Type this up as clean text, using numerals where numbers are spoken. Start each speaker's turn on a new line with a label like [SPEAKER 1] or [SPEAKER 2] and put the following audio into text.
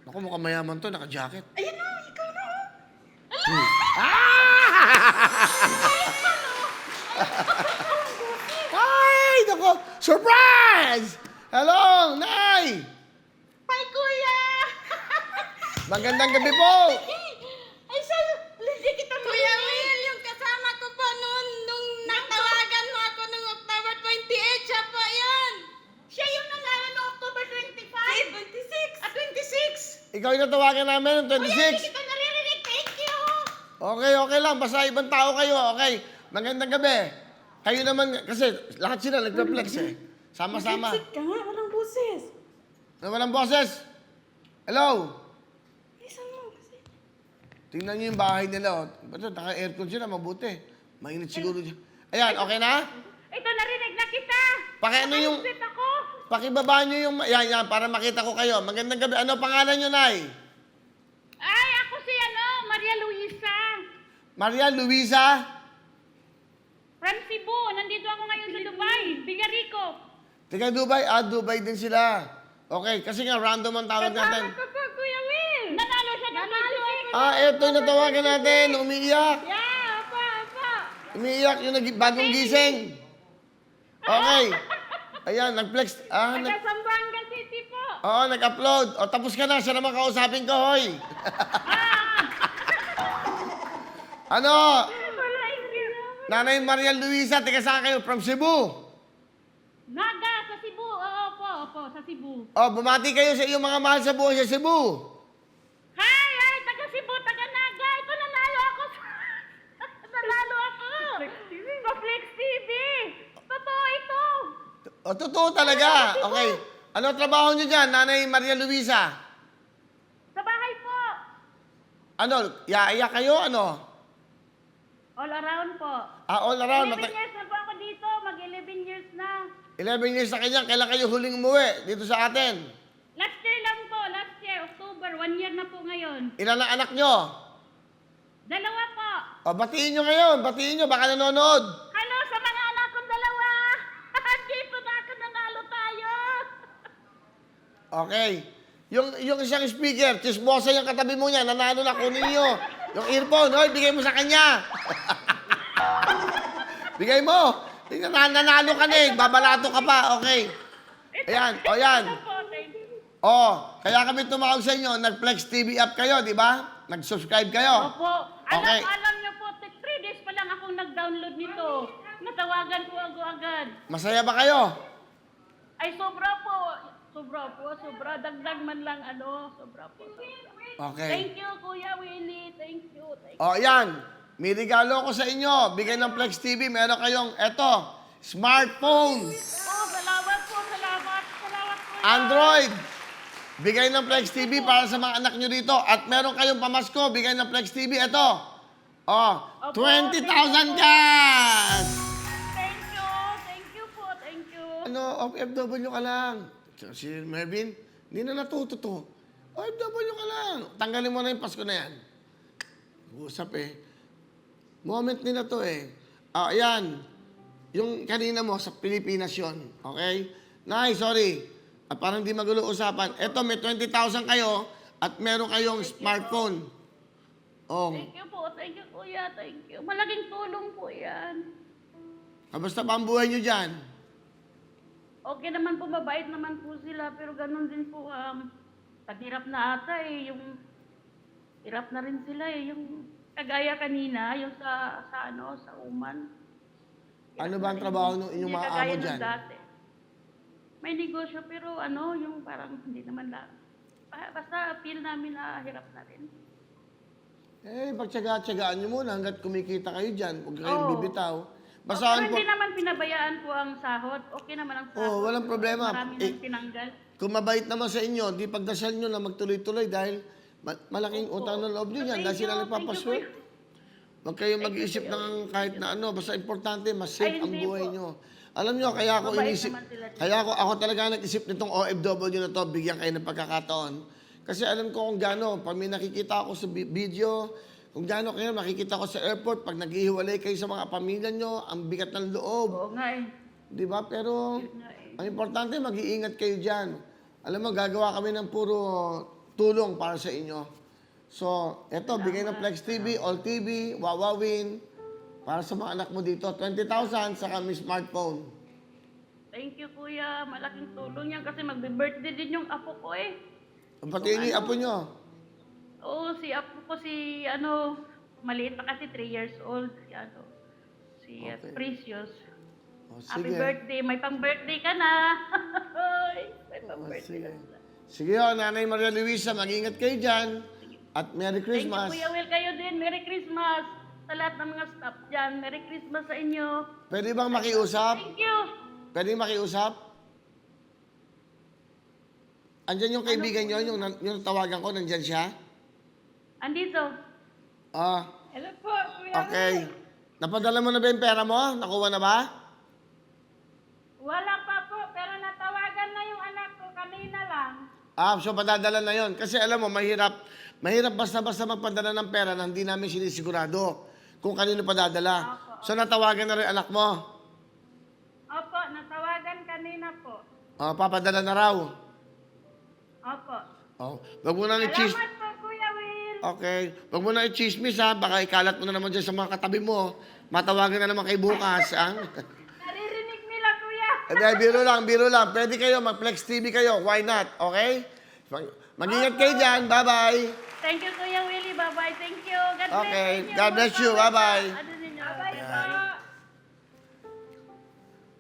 [SPEAKER 1] Naku, mukhang mayaman to, naka-jacket.
[SPEAKER 2] Ayan na, ikaw na.
[SPEAKER 1] Ay, naku, surprise! Hello, Nay!
[SPEAKER 2] Hi, Kuya!
[SPEAKER 1] Magandang gabi po!
[SPEAKER 2] Ay, hindi kita Kuya Will, yung kasama ko po noon, nung natawagan mo ako nung October 28, siya po yun. Siya yung nangalan noong October 25. 26. 26.
[SPEAKER 1] Ikaw yung natawagan namin ng
[SPEAKER 2] Kuya, hindi
[SPEAKER 1] 26.
[SPEAKER 2] kita naririnig. Thank you.
[SPEAKER 1] Okay, okay lang. Basta ibang tao kayo. Okay. Magandang gabi. Kayo naman, kasi lahat sila nagpe-flex eh. Sama-sama.
[SPEAKER 2] Exit ka nga, walang boses.
[SPEAKER 1] Na walang boses. Hello?
[SPEAKER 2] Isa mo kasi.
[SPEAKER 1] Tingnan niyo yung bahay nila. Oh. Ba't naka-aircon sila? Mabuti. Mainit siguro dyan. Ayan, okay na?
[SPEAKER 2] Ito, narinig na kita.
[SPEAKER 1] Pakiano yung...
[SPEAKER 2] Exit ako.
[SPEAKER 1] Pakibaba niyo yung... Yan, para makita ko kayo. Magandang gabi. Ano pangalan niyo, Nay?
[SPEAKER 2] Ay, ako si Maria Luisa.
[SPEAKER 1] Maria Luisa?
[SPEAKER 2] From Cebu. Nandito ako ngayon sa Dubai. Villarico.
[SPEAKER 1] Tiga Dubai? Dubai din sila. Okay, kasi nga random ang tawag natin.
[SPEAKER 2] Kasama ko po, Kuya Will. Nanalo siya ng
[SPEAKER 1] Eto yung natawagan natin. Umiiyak.
[SPEAKER 2] Yeah, apa.
[SPEAKER 1] Umiiyak yung bagong gising. Okay. Ayan, nag-flex.
[SPEAKER 2] Taga Zamboanga City po.
[SPEAKER 1] Oo, nag-upload. O, tapos ka na. Siya naman kausapin ko, hoy. Ano? Nanay Maria Luisa, tiga saan kayo? From Cebu.
[SPEAKER 2] Naga, sa Cebu. Opo, sa Cebu.
[SPEAKER 1] O, bumati kayo sa iyong mga mahal sa buhay sa Cebu.
[SPEAKER 2] Hi, taga Cebu, taga Naga. Ito, nanalo ako. Nanalo ako. Sa Flex TV. Totoo ito.
[SPEAKER 1] O, totoo talaga. Okay. Ano trabaho niyo dyan, Nanay Maria Luisa?
[SPEAKER 2] Sa bahay po.
[SPEAKER 1] Ano, iyak kayo? Ano?
[SPEAKER 2] All around po.
[SPEAKER 1] All around.
[SPEAKER 2] 11 years na po ako dito. Mag-11 years na.
[SPEAKER 1] 11 years na kanya. Kailan kayo huling umuwi dito sa atin?
[SPEAKER 2] Last year lang po. Last year, October. 1 year na po ngayon.
[SPEAKER 1] Ilan ang anak nyo?
[SPEAKER 2] 2 po.
[SPEAKER 1] O, batiin nyo ngayon. Batiin nyo. Baka nanonood.
[SPEAKER 2] Ano sa mga anak kong 2? Dito na ako nanalo tayo.
[SPEAKER 1] Okay. Yung isang speaker, chismosa yung katabi mo niya, nanalo na, kunin nyo. Yung earphone, hoy, bigay mo sa kanya. Bigay mo. Nanalo ka na eh, babalato ka pa, okay. Ayan, o yan. Kaya kami tumawag sa inyo, nag-Flex TV app kayo, di ba? Nag-subscribe kayo.
[SPEAKER 2] Opo.
[SPEAKER 1] Okay.
[SPEAKER 2] Alam niyo po, 3 days pa lang akong nag-download nito. Natawagan po ako agad.
[SPEAKER 1] Masaya ba kayo?
[SPEAKER 2] Ay, sobra po. Sobra. Dagdag man lang sobra po.
[SPEAKER 1] Okay.
[SPEAKER 2] Thank you, Kuya Willie. Thank you.
[SPEAKER 1] O, yan. May regalo ko sa inyo. Bigay ng Flex TV. Meron kayong, smartphone.
[SPEAKER 2] Salamat po. Salamat, Kuya.
[SPEAKER 1] Android. Bigay ng Flex TV para sa mga anak nyo dito. At meron kayong pamasko. Bigay ng Flex TV. Ito. 20,000 cash!
[SPEAKER 2] Thank you po. Thank you.
[SPEAKER 1] OFW ka lang. Si Mervin, hindi na natuto to. OFW ka lang. Tanggalin mo na yung Pasko na yan. Usap Moment nila to ayan. Yung kanina mo, sa Pilipinas yun. Okay? Nay, sorry. At parang di magulo usapan. Eto, may 20,000 kayo at meron kayong smartphone.
[SPEAKER 2] Thank you po. Thank you, Kuya. Thank you. Malaking tulong po yan.
[SPEAKER 1] Kamusta pa ang buhay nyo dyan?
[SPEAKER 2] Okay naman po, mabait naman po sila, pero ganun din po, paghirap na ata yung hirap na rin sila yung kagaya kanina, yung sa Uman.
[SPEAKER 1] Ano ba ang trabaho ng inyong mga amo dyan?
[SPEAKER 2] Dati. May negosyo, pero yung parang hindi naman lang. Basta feel namin na hirap na rin.
[SPEAKER 1] Pagtsaga-tsagaan nyo muna hanggat kumikita kayo dyan. Huwag kayong bibitaw.
[SPEAKER 2] Pero hindi naman pinabayaan po ang sahod. Okay naman ang sahod.
[SPEAKER 1] Walang problema.
[SPEAKER 2] Marami nang tinanggal.
[SPEAKER 1] Kung mabait naman sa inyo, di pagdasal nyo na magtuloy-tuloy dahil malaking utang ng loob nyo yan dahil sila nagpapaswerte. Huwag kayong mag-iisip ng kahit na basta importante, mas safe ang buhay nyo. Alam nyo, kaya ako talaga nag-isip nitong OFW na to, bigyan kayo ng pagkakataon. Kasi alam ko kung gaano, pag may nakikita ako sa video, kung gaano kayo makikita ko sa airport, pag naghihiwalay kayo sa mga pamilya nyo, ang bigat ng loob.
[SPEAKER 2] Oo nga
[SPEAKER 1] Di ba? Pero ang importante, mag-iingat kayo dyan. Alam mo, gagawa kami ng puro tulong para sa inyo. So, eto, bigay ng Flex TV, All TV, Wawawin, para sa mga anak mo dito. 20,000 sa kami smartphone.
[SPEAKER 3] Thank you, kuya. Malaking tulong yan kasi magbe-birthday din yung apo ko eh.
[SPEAKER 1] Pati ini apo nyo.
[SPEAKER 3] Oo, si apo ko maliit pa kasi 3 years old. Si
[SPEAKER 1] Okay.
[SPEAKER 3] Precious.
[SPEAKER 1] O,
[SPEAKER 3] Happy
[SPEAKER 1] sige.
[SPEAKER 3] birthday. May pang-birthday ka na. May
[SPEAKER 1] O,
[SPEAKER 3] pang-birthday
[SPEAKER 1] sige.
[SPEAKER 3] ka na.
[SPEAKER 1] Sige o, Nanay Maria Luisa, mag-ingat kayo dyan. At Merry
[SPEAKER 3] Thank you,
[SPEAKER 1] Christmas.
[SPEAKER 3] Kuya Will. Kayo din. Merry Christmas. Sa lahat ng mga staff dyan. Merry Christmas sa inyo.
[SPEAKER 1] Pwede bang makiusap?
[SPEAKER 3] Thank you.
[SPEAKER 1] Pwede makiusap? Andyan yung kaibigan nyo, yung tawagan ko, nandyan siya?
[SPEAKER 3] Andito.
[SPEAKER 1] Ah,
[SPEAKER 2] Hello po, Kuya
[SPEAKER 1] okay.
[SPEAKER 2] Will.
[SPEAKER 1] Napadala mo na ba yung pera mo? Nakuha na ba?
[SPEAKER 2] Wala pa po, pero natawagan na yung anak ko kanina lang.
[SPEAKER 1] Ah, so padadala na yon. Kasi alam mo, mahirap basta-basta magpadala ng pera na hindi namin sinisigurado kung kanino padadala. So natawagan na rin anak mo.
[SPEAKER 2] Opo, natawagan kanina po.
[SPEAKER 1] Oh, papadala na raw.
[SPEAKER 2] Opo.
[SPEAKER 1] Oh, wag mo na i-cheese.
[SPEAKER 2] Salamat po, Kuya Will.
[SPEAKER 1] Okay. Wag mo na i-chismis ha. Baka ikalat mo na naman dyan sa mga katabi mo. Matawagan na naman kay bukas. Ha?
[SPEAKER 2] Naririnig nila, Kuya.
[SPEAKER 1] Hindi, biro lang. Pwede kayo, mag-Flex TV kayo. Why not? Okay? Mag-ingat kayo dyan. Bye-bye.
[SPEAKER 3] Thank you, Kuya Willie. Bye-bye. Thank you. God bless
[SPEAKER 1] Okay.
[SPEAKER 3] inyo.
[SPEAKER 1] God bless you. Bye-bye.
[SPEAKER 3] Ano